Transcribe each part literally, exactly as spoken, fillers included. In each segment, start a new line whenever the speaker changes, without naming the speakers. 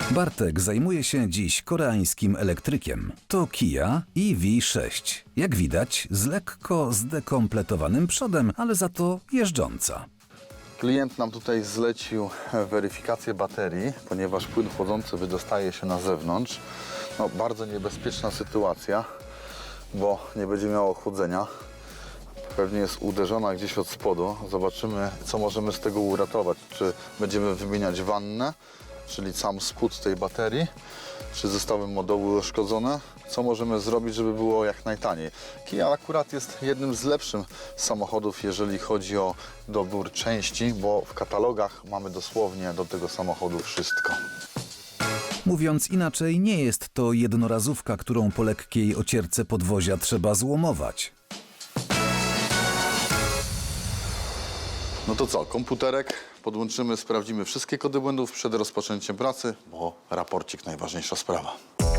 Bartek zajmuje się dziś koreańskim elektrykiem. To Kia E V sześć. Jak widać, z lekko zdekompletowanym przodem, ale za to jeżdżąca.
Klient nam tutaj zlecił weryfikację baterii, ponieważ płyn chłodzący wydostaje się na zewnątrz. No, bardzo niebezpieczna sytuacja, bo nie będzie miało chłodzenia. Pewnie jest uderzona gdzieś od spodu. Zobaczymy, co możemy z tego uratować. Czy będziemy wymieniać wannę, czyli sam spód tej baterii, czy zostały moduły uszkodzone. Co możemy zrobić, żeby było jak najtaniej. Kia akurat jest jednym z lepszych samochodów, jeżeli chodzi o dobór części, bo w katalogach mamy dosłownie do tego samochodu wszystko.
Mówiąc inaczej, nie jest to jednorazówka, którą po lekkiej ocierce podwozia trzeba złomować.
No to co, komputerek podłączymy, sprawdzimy wszystkie kody błędów przed rozpoczęciem pracy, bo raporcik najważniejsza sprawa.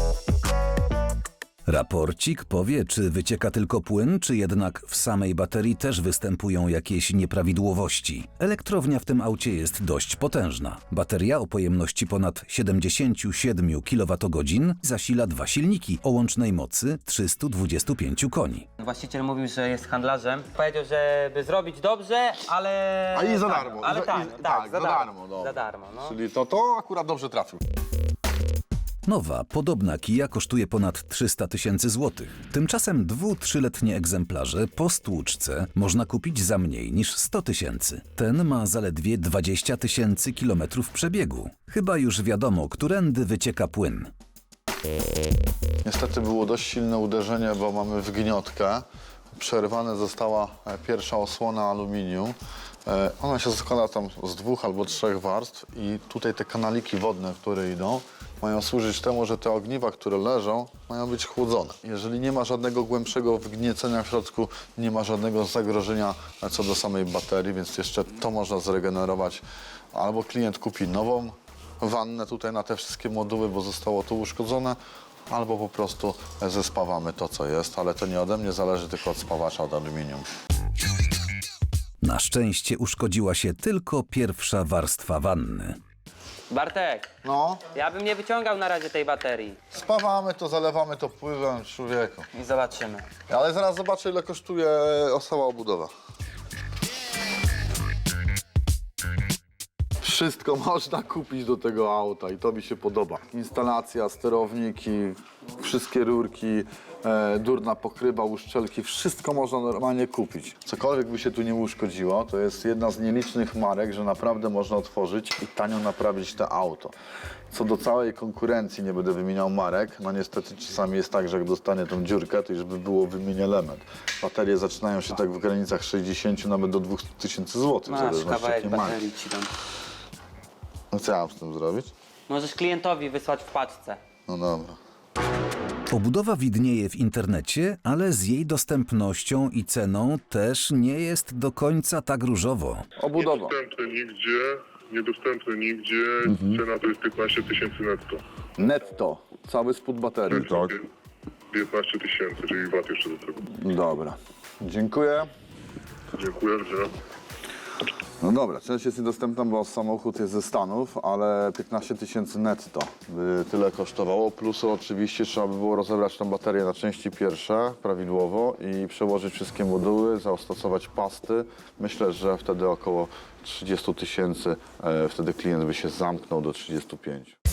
Raporcik powie, czy wycieka tylko płyn, czy jednak w samej baterii też występują jakieś nieprawidłowości. Elektrownia w tym aucie jest dość potężna. Bateria o pojemności ponad siedemdziesiąt siedem kilowatogodzin zasila dwa silniki o łącznej mocy trzysta dwadzieścia pięć koni.
Właściciel mówił, że jest handlarzem. Powiedział, żeby zrobić dobrze, ale...
A i za
tak,
darmo.
Ale
I za-
tak,
i-
tak,
tak,
za
za
darmo.
darmo, dobra.
Za darmo, no.
Czyli to, to akurat dobrze trafił.
Nowa, podobna Kia kosztuje ponad trzysta tysięcy złotych. Tymczasem dwu-trzyletnie egzemplarze po stłuczce można kupić za mniej niż sto tysięcy. Ten ma zaledwie dwadzieścia tysięcy kilometrów przebiegu. Chyba już wiadomo, którędy wycieka płyn.
Niestety było dość silne uderzenie, bo mamy wgniotkę. Przerwana została pierwsza osłona aluminium. E, Ona się składa tam z dwóch albo trzech warstw i tutaj te kanaliki wodne, które idą, mają służyć temu, że te ogniwa, które leżą, mają być chłodzone. Jeżeli nie ma żadnego głębszego wgniecenia w środku, nie ma żadnego zagrożenia co do samej baterii, więc jeszcze to można zregenerować. Albo klient kupi nową wannę tutaj na te wszystkie moduły, bo zostało to uszkodzone, albo po prostu zespawamy to, co jest, ale to nie ode mnie zależy, tylko od spawacza, od aluminium.
Na szczęście uszkodziła się tylko pierwsza warstwa wanny.
Bartek,
No,
ja bym nie wyciągał na razie tej baterii.
spawamy to, zalewamy to pływem, człowieku.
I zobaczymy.
Ale zaraz zobaczę, ile kosztuje cała obudowa. Wszystko można kupić do tego auta i to mi się podoba. Instalacja, sterowniki, wszystkie rurki, e, durna pokrywa, uszczelki, wszystko można normalnie kupić. Cokolwiek by się tu nie uszkodziło, to jest jedna z nielicznych marek, że naprawdę można otworzyć i tanio naprawić to auto. Co do całej konkurencji, nie będę wymieniał marek, no niestety czasami jest tak, że jak dostanie tą dziurkę, to już by było wymienię element. Baterie zaczynają się tak w granicach sześćdziesięciu nawet do dwóch tysięcy złotych, w
Masz
zależności
kawałek
jakiej marki.
baterii ci dam.
No co ja mam z tym zrobić?
Możesz klientowi wysłać w paczce.
No dobra.
Obudowa widnieje w internecie, ale z jej dostępnością i ceną też nie jest do końca tak różowo.
Obudowa.
Niedostępny nigdzie, niedostępny nigdzie, cena to jest piętnaście tysięcy netto.
Netto. Cały spód baterii.
Tak. piętnaście tysięcy, czyli V A T jeszcze do tego.
Dobra. Dziękuję.
Dziękuję, że...
No dobra, część jest niedostępna, bo samochód jest ze Stanów, ale piętnaście tysięcy netto by tyle kosztowało. Plus oczywiście trzeba by było rozebrać tę baterię na części pierwsze prawidłowo i przełożyć wszystkie moduły, zastosować pasty. Myślę, że wtedy około trzydzieści tysięcy, e, wtedy klient by się zamknął do trzydziestu pięciu.